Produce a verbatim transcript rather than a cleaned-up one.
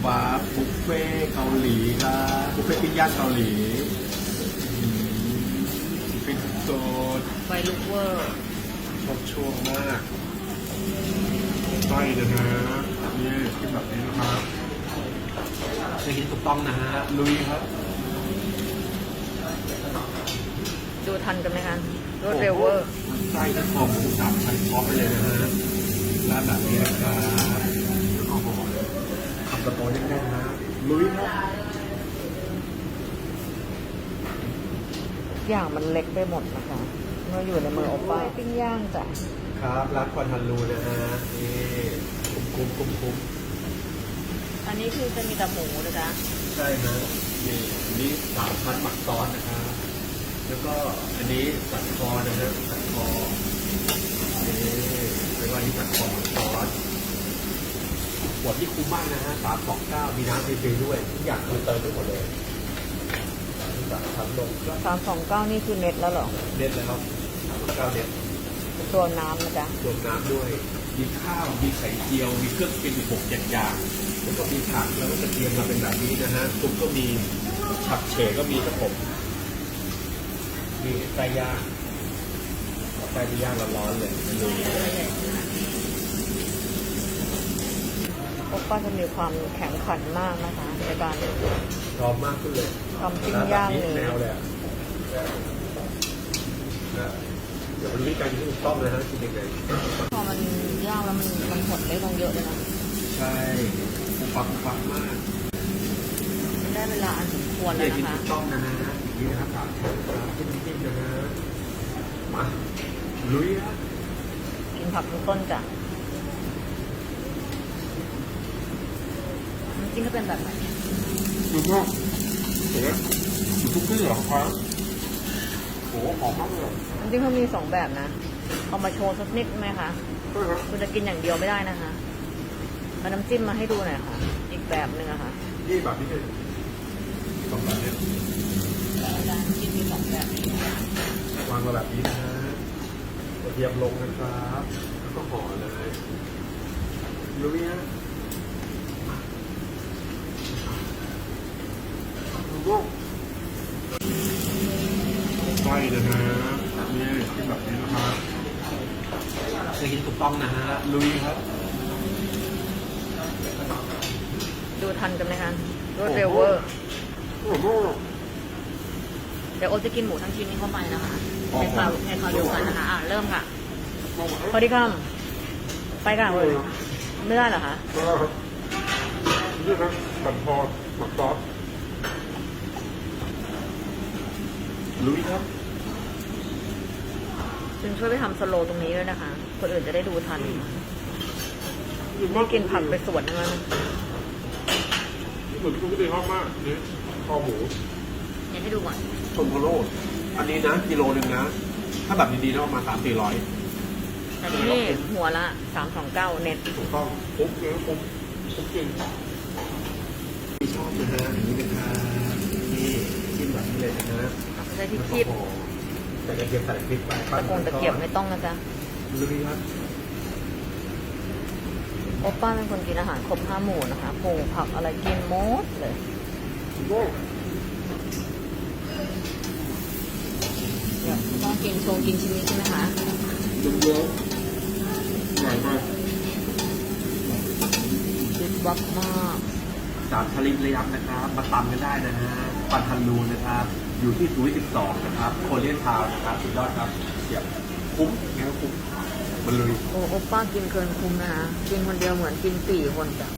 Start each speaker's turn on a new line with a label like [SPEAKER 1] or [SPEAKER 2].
[SPEAKER 1] วาร์ปบุฟเฟ่เกาหลีครับบุฟเฟ่ปิ้งย่างเกาหลีอืมเป็นโซด
[SPEAKER 2] ไฟลุกเวอร์
[SPEAKER 1] ชอบช่วงมากไส้เลยนะนี่กินแบบนี้นะครับจะกินถูกต้องนะฮะลุยครับ
[SPEAKER 2] ดูทันกันไหมคะรวดเร็วเวอร์
[SPEAKER 1] ไส้ทั้งคอหมูสามชั้นพร้อมไปเลยนะฮะร้านแบบนี้นะครับแล้วก็ห่อคำโตๆแน่นๆนะลุยครับ
[SPEAKER 2] อย่างมันเล็กไปหมดนะคะเมื่ออยู่ในมือโอป้าปิ้งย่างจ้ะ
[SPEAKER 1] ครับร้านควันฮันลูนะฮะนี่คุ้มคุ้มคุ้มคุ้ม
[SPEAKER 2] อันนี้คือจะมีแต่หมูนะจ๊ะ
[SPEAKER 1] ใช่ฮะนี่อันนี้สามชั้นหมักซอสนะครับแล้วก็อันนี้สันคอนะฮะสันคอนี่เป็นว่านี้สันคอหมักซอสขวดที่คุ้มมากนะฮะสามสองเก้ามีน้ำฟรีๆด้วยทุกอย่างคือเติมได้หมดเลยสามชั้นลง
[SPEAKER 2] สามสองเก้านี่คือเน็ตแล้วเหรอ
[SPEAKER 1] เน็ตแล้วครับสามสองเก้าเน็ต
[SPEAKER 2] ตัวน้ำนะจ๊ะ
[SPEAKER 1] รวมน้ำด้วยมีข้าวมีไข่เจียวมีเครื่องกินอีกหกเจ็ดอย่างแล้วก็มีผักแล้วก็กระเทียมมาเป็นแบบนี้นะฮะซุปก็มีฉับเฉก็มีครับผมนี่ไก่ย่างไก่ที่ย่างร้อนๆเลยมันดู
[SPEAKER 2] โอป้าจะมีความแข็งขันมากนะคะในการ
[SPEAKER 1] พร้อมมากขึ้นเลย
[SPEAKER 2] ทำปิ้งย่าง
[SPEAKER 1] แบบ
[SPEAKER 2] นี้
[SPEAKER 1] แนวเลยอะนะเดี๋ยววันนี้การกินที่ถูกต้องเลยนะกินยังไง
[SPEAKER 2] พอมันย่างแล้วมันมันหดได้ลงเยอะเลยนะ
[SPEAKER 1] ใช่ปุ๊บปั๊บปุ๊บปั๊บมาก
[SPEAKER 2] ได้เวลาอันสมควรแล้ว
[SPEAKER 1] กิน
[SPEAKER 2] นะคะ
[SPEAKER 1] ถูกต้องนะฮะอย่างนี้นะครับสามชั้นครับกินจิ้มๆนะฮะมาลุยฮะ
[SPEAKER 2] กินผักทุกต้นจ้ะน้ำจิ้มก็เป็นแบบไหน
[SPEAKER 1] ดูก็เห็นไหมอยู่ทุกที่เหรอครับโหหอมมากเลย
[SPEAKER 2] น้ำจิ้มเขามีสองแบบนะเอามาโชว์สักนิดไหมคะ
[SPEAKER 1] ใช่ครับ
[SPEAKER 2] คุณจะกินอย่างเดียวไม่ได้นะคะเอาน้ำจิ้มมาให้ดูหน่อยค่ะ อีกแบบหนึ่งอะค่ะ
[SPEAKER 1] นี่แบบนี้เลยสองแบบเนี้ย
[SPEAKER 2] น้ำจิ้มมีสองแบบ
[SPEAKER 1] วางมาแบบนี้นะฮะกระเทียมลงนะครับแล้วก็ห่อเลยลุยฮะดูก็ไส้นะฮะนี่กินแบบนี้นะครับจะกินถูกต้องนะฮะลุยครับ
[SPEAKER 2] ดูทันกันไหมคะรวดเร็วเวอร์
[SPEAKER 1] โอ้โห
[SPEAKER 2] เดี๋ยวโอตจะกินหมูทั้งชิ้นนี้เข้าไปนะคะในคราวในคราวเดียวกันนะคะอ่ะเริ่มค่ะพอดีคำไปกันเลยไม่ได้เหรอคะ
[SPEAKER 1] ครับนี่ครับบันพอหมักซอสลุยครับ
[SPEAKER 2] จึงช่วยไปทำสโลว์ตรงนี้ด้วยนะคะ คนอื่นจะได้ดูทันไม่กินผักไปส่วนนึงแล้วนะ
[SPEAKER 1] เหมือนคุณก็ดีชอบมากนี่คอหมู
[SPEAKER 2] เนี่ยให้ดูก่อน
[SPEAKER 1] ชมโพโลอันนี้นะกิโลหนึ่งนะ ถ้าแบบดีๆนะประมาณสามสี่ร้อย
[SPEAKER 2] แต่นี่หัวละสามสองเก้าเน็ต
[SPEAKER 1] ถูกต้องปุ๊บเลยปุ๊บปุ๊บจริงที่ชอบนะฮะอย่างนี้นะครับนี่กินแบบนี้เลยนะฮะ
[SPEAKER 2] ใช้ที่คีบ
[SPEAKER 1] แต่กระเทียมใส่พริกไป
[SPEAKER 2] ตะกงตะเกียบไม่ต้องนะจ๊ะ
[SPEAKER 1] ลุยครับ
[SPEAKER 2] โอป้าเป็นคนกินอาหารครบห้าหมู่นะคะผงผักอะไรกินหมดเลย
[SPEAKER 1] โอ้
[SPEAKER 2] เดี๋ยวต้องกินโชว์กินชิ้นนี้ใช่ไหมคะ
[SPEAKER 1] เยอะๆใหญ่มาก
[SPEAKER 2] คิดวับมาก
[SPEAKER 1] จากทะเลระยับนะครับมาตำกันได้นะฮะปันทันลูนะครับ อยู่ที่ศูนย์สิบสองนะครับโคเรียนทาวน์นะครับสุดยอดครับเสียบคุ้มไงก็คุ้มมันลุย
[SPEAKER 2] โอ้โอป้ากินเกินคุ้มนะคะกินคนเดียวเหมือนกินสี่คนจ้ะ